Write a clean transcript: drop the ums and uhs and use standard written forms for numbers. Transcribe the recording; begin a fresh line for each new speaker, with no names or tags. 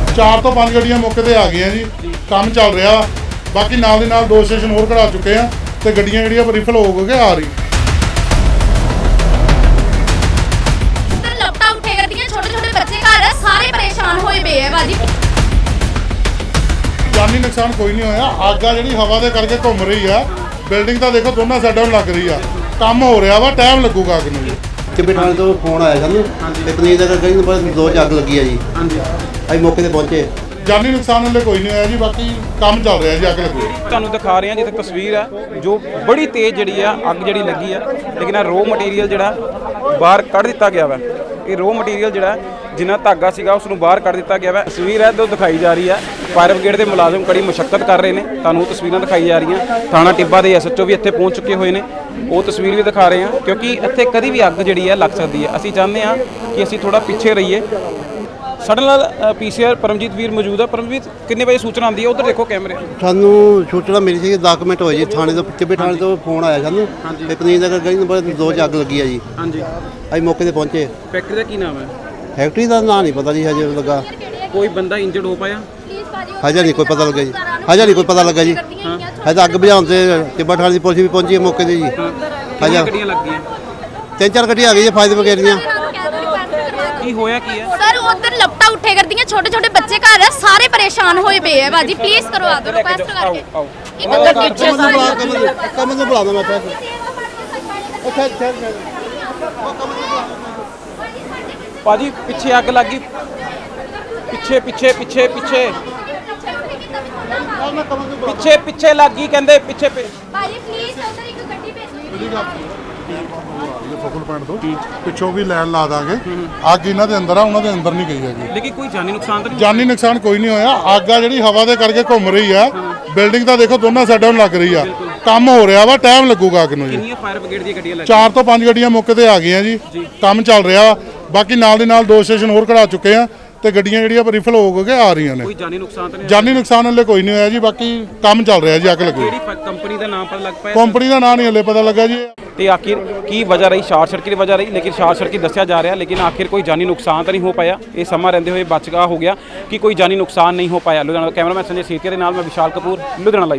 4 ਤੋਂ 5 ਗੱਡੀਆਂ ਮੌਕੇ ਤੇ ਆ ਗਈਆਂ ਜੀ। ਕੰਮ ਚੱਲ ਰਿਹਾ। ਬਾਕੀ ਨਾਲ ਦੀ ਨਾਲ 2 ਸਟੇਸ਼ਨ ਹੋਰ ਖੜਾ ਚੁੱਕੇ ਆ ਤੇ ਗੱਡੀਆਂ ਜਿਹੜੀਆਂ ਰਿਫਲ ਹੋ ਕੇ ਆ ਰਹੀ।
ਲੱਪਟਾਂ ਉੱਠੇ ਕਰਦੀਆਂ, ਛੋਟੇ ਛੋਟੇ ਬੱਚੇ ਘਰ ਆ, ਸਾਰੇ ਪਰੇਸ਼ਾਨ ਹੋਏ ਪਏ ਆ ਬਾਜੀ।
ਜਾਨੀ ਨੁਕਸਾਨ ਕੋਈ ਨਹੀਂ ਹੋਇਆ। ਅੱਗ ਆ ਜਿਹੜੀ ਹਵਾ ਦੇ ਕਰਕੇ ਘੁੰਮ ਰਹੀ ਆ। ਬਿਲਡਿੰਗ ਤਾਂ ਦੇਖੋ ਦੋਨਾਂ ਸਾਈਡਾਂ ਨੂੰ ਲੱਗ ਰਹੀ ਆ। ਕੰਮ ਹੋ ਰਿਹਾ ਵਾ, ਟਾਈਮ ਲੱਗੂਗਾ ਅੱਗ ਨੂੰ ਜੀ।
ਚਿੱਬੇ ਥਾਣੇ ਤੋਂ ਫੋਨ ਆਇਆ ਸਾਨੂੰ ਤੇ ਪਨੀਰ ਦਾ ਗਲੀ ਨੰਬਰ 2 'ਚ ਅੱਗ ਲੱਗੀ ਆ ਜੀ। ਅਸੀਂ ਮੌਕੇ ਤੇ ਪਹੁੰਚੇ।
ਜਾਨੀ ਨੁਕਸਾਨ ਹਲੇ ਕੋਈ ਨਹੀਂ ਹੋਇਆ ਜੀ। ਬਾਕੀ ਕੰਮ ਚੱਲ ਰਿਹਾ ਜੀ। ਅੱਗ ਲੱਗੀ
ਤੁਹਾਨੂੰ ਦਿਖਾ ਰਹੇ ਹਾਂ ਜਿੱਥੇ ਤਸਵੀਰ ਹੈ ਜੋ ਬੜੀ ਤੇਜ਼ ਜਿਹੜੀ ਆ ਅੱਗ ਜਿਹੜੀ ਲੱਗੀ ਆ, ਲੇਕਿਨ ਇਹ ਰੋ ਮਟੀਰੀਅਲ ਜਿਹੜਾ ਬਾਹਰ ਕੱਢ ਦਿੱਤਾ ਗਿਆ ਵਾ। ਇਹ ਰੋ ਮਟੀਰੀਅਲ ਜਿਹੜਾ ਜਿੰਨਾ ਧਾਗਾ ਸੀਗਾ ਉਸ ਨੂੰ ਬਾਹਰ ਕੱਢ ਦਿੱਤਾ ਗਿਆ ਵਾ। ਤਸਵੀਰ ਹੈ ਜੋ ਦਿਖਾਈ ਜਾ ਰਹੀ ਹੈ। ਫਾਇਰ ਬ੍ਰਿਗੇਡ ਦੇ ਮੁਲਾਜ਼ਮ ਕੜੀ ਮੁਸ਼ੱਕਤ ਕਰ ਰਹੇ ਨੇ। ਤੁਹਾਨੂੰ ਤਸਵੀਰਾਂ ਦਿਖਾਈ ਜਾ ਰਹੀਆਂ। ਥਾਣਾ ਟਿੱਬਾ ਦੇ ਐਸਐਚਓ ਵੀ ਇੱਥੇ ਪਹੁੰਚ ਚੁੱਕੇ ਹੋਏ ਨੇ। ਉਹ ਤਸਵੀਰ ਵੀ ਦਿਖਾ ਰਹੇ ਹਾਂ ਕਿਉਂਕਿ ਇੱਥੇ ਕਦੀ ਵੀ ਅੱਗ ਜਿਹੜੀ ਹੈ ਲੱਗ ਸਕਦੀ ਹੈ। ਅਸੀਂ ਚਾਹੁੰਦੇ ਹਾਂ ਕਿ ਅਸੀਂ ਥੋੜਾ ਪਿੱਛੇ ਰਹੀਏ। ਸਾਡੇ ਨਾਲ ਪੀਸੀਆਰ ਪਰਮਜੀਤ ਵੀਰ ਮੌਜੂਦ ਹੈ। ਪਰਮਜੀਤ, ਕਿੰਨੇ ਵਜੇ ਸੂਚਨਾ ਆਉਂਦੀ ਹੈ? ਉਧਰ ਦੇਖੋ ਕੈਮਰੇ।
ਸਾਨੂੰ ਸੂਚਨਾ ਮਿਲੀ ਸੀ 10 ਮਿੰਟ ਹੋਏ ਜੀ। ਥਾਣੇ ਤੋਂ ਚਿੱਬੇ ਥਾਣੇ ਤੋਂ ਫੋਨ ਆਇਆ ਸਾਨੂੰ ਤੇ ਪਨੀਰ ਦਾ ਗਲੀ ਨੰਬਰ 2 'ਚ ਅੱਗ ਲੱਗੀ ਆ ਜੀ।
ਹਾਂਜੀ,
ਅਸੀਂ ਮੌਕੇ ਤੇ ਪਹੁੰਚੇ।
ਫੈਕਟਰੀ ਦਾ ਕੀ ਨਾਮ ਹੈ?
ਫੈਕਟਰੀ ਦਾ ਨਾਂ ਨਹੀਂ ਪਤਾ ਜੀ, ਹਜੇ ਲੱਗਾ।
ਕੋਈ ਬੰਦਾ ਇੰਜਰਡ ਹੋ ਪਾਇਆ?
ਹਜੇ ਨਹੀਂ ਕੋਈ ਪਤਾ ਲੱਗਾ ਜੀ। ਹਜੇ ਨਹੀਂ ਕੋਈ ਪਤਾ ਲੱਗਾ ਜੀ। ਹਜੇ ਤਾਂ ਅੱਗ ਬੁਝਾਉਣ ਤੇ ਚਿੱਬਾ ਥਾਣੇ ਦੀ ਪੁਲਿਸ ਵੀ ਪਹੁੰਚੀ ਹੈ ਮੌਕੇ ਤੇ ਜੀ।
ਕਿੰਨੀਆਂ ਗੱਡੀਆਂ ਲੱਗ ਗਈਆਂ?
3-4 ਗੱਡੀਆਂ ਆ ਗਈਆਂ ਫਾਇਰ ਬ੍ਰਿਗੇਡ ਦੀਆਂ।
ਕੀ ਹੋਇਆ ਕੀ ਹੈ?
ਸਰ ਉਧਰ ਲੱਪਟਾਂ ਉੱਠੇ ਕਰਦੀਆਂ, ਛੋਟੇ ਛੋਟੇ ਬੱਚੇ ਘਰ ਆ, ਸਾਰੇ ਪਰੇਸ਼ਾਨ ਹੋਏ ਪਏ ਆ ਬਾਜੀ। ਪਲੀਜ਼ ਕਰਵਾ ਦਿਓ ਰਿਕੁਐਸਟ ਕਰਕੇ। ਇੱਕ ਗੱਡੀ
ਕਮਲ ਨੂੰ ਬੁਲਾ ਦੋ ਮੈਂ ਪੈਸੇ। ਅੱਛਾ
ਭਾਜੀ ਪਿੱਛੇ ਅੱਗ ਲੱਗੀ। ਪਿੱਛੇ ਪਿੱਛੇ ਪਿੱਛੇ ਪਿੱਛੇ ਪਿੱਛੇ ਪਿੱਛੇ ਲੱਗ ਗਈ ਕਹਿੰਦੇ। ਪਿੱਛੇ
ਬਾਜੀ ਪਲੀਜ਼ ਉਧਰ ਇੱਕ ਗੱਡੀ ਭੇਜੋ।
ਫੋਕਲ ਪੁਆਇੰਟ ਤੋਂ ਪਿੱਛੋਂ ਵੀ ਲਾਈਨ ਲਾ ਦਾਂਗੇ। ਅੱਗ ਇਹਨਾਂ ਦੇ ਅੰਦਰ ਆ, ਉਹਨਾਂ ਦੇ ਅੰਦਰ ਨਹੀਂ ਗਈ ਹੈਗੀ।
ਲੇਕਿਨ ਕੋਈ ਜਾਨੀ ਨੁਕਸਾਨ ਤਾਂ ਨਹੀਂ?
ਜਾਨੀ ਨੁਕਸਾਨ ਕੋਈ ਨਹੀਂ ਹੋਇਆ। ਅੱਗ ਆ ਜਿਹੜੀ ਹਵਾ ਦੇ ਕਰਕੇ ਘੁੰਮ ਰਹੀ ਆ। ਬਿਲਡਿੰਗ ਤਾਂ ਦੇਖੋ ਦੋਨਾਂ ਸਾਈਡਾਂ ਨੂੰ ਲੱਗ ਰਹੀ ਆ। ਕੰਮ ਹੋ ਰਿਹਾ ਵਾ, ਟਾਈਮ ਲੱਗੂਗਾ ਅੱਗ ਨੂੰ ਜੀ।
ਕਿੰਨੀਆਂ ਫਾਇਰ ਬ੍ਰਿਗੇਡ ਦੀਆਂ ਗੱਡੀਆਂ
4 ਤੋਂ 5 ਗੱਡੀਆਂ ਮੌਕੇ ਤੇ ਆ ਗਈਆਂ ਜੀ। ਕੰਮ ਚੱਲ ਰਿਹਾ। ਬਾਕੀ ਨਾਲ ਦੀ ਨਾਲ 2 ਸਟੇਸ਼ਨ ਹੋਰ ਖੜਾ ਚੁੱਕੇ ਆ ਤੇ ਗੱਡੀਆਂ ਜਿਹੜੀਆਂ ਰਿਫਲ ਹੋ ਕੇ ਆ ਰਹੀਆਂ ਨੇ।
ਕੋਈ ਜਾਨੀ ਨੁਕਸਾਨ ਤਾਂ ਨਹੀਂ?
ਜਾਨੀ ਨੁਕਸਾਨ ਹਲੇ ਕੋਈ ਨਹੀਂ ਹੋਇਆ ਜੀ। ਬਾਕੀ ਕੰਮ ਚੱਲ ਰਿਹਾ ਜੀ। ਅੱਗ ਲੱਗੀ।
ਕਿਹੜੀ ਕੰਪਨੀ ਦਾ ਨਾਮ ਪਤਾ ਲੱਗ ਪਾਇਆ?
ਕੰਪਨੀ ਦਾ ਨਾਂ ਨਹੀਂ ਹਲੇ ਪਤਾ ਲੱਗਾ ਜੀ।
ਤੇ ਆਖਿਰ ਕੀ ਵਜ੍ਹਾ ਰਹੀ? ਸ਼ਾਰਟ ਸਰਕਟ ਦੀ ਵਜ੍ਹਾ ਰਹੀ, ਲੇਕਿਨ ਸ਼ਾਰਟ ਸਰਕਟ ਦੱਸਿਆ ਜਾ ਰਿਹਾ। ਲੇਕਿਨ ਆਖਿਰ ਕੋਈ ਜਾਨੀ ਨੁਕਸਾਨ ਤਾਂ ਨਹੀਂ ਹੋ ਪਾਇਆ। ਇਹ ਸਮਾਂ ਰਹਿੰਦੇ ਹੋਏ ਬਚਗਾ ਹੋ ਗਿਆ ਕਿ ਕੋਈ ਜਾਨੀ ਨੁਕਸਾਨ ਨਹੀਂ ਹੋ ਪਾਇਆ। ਲੁਧਿਆਣਾ ਕੈਮਰਾਮੈਨ ਸੰਜੇ ਸੇਤੀਆ ਦੇ ਨਾਲ ਮੈਂ ਵਿਸ਼ਾਲ ਕਪੂਰ, ਲੁਧਿਆਣਾ।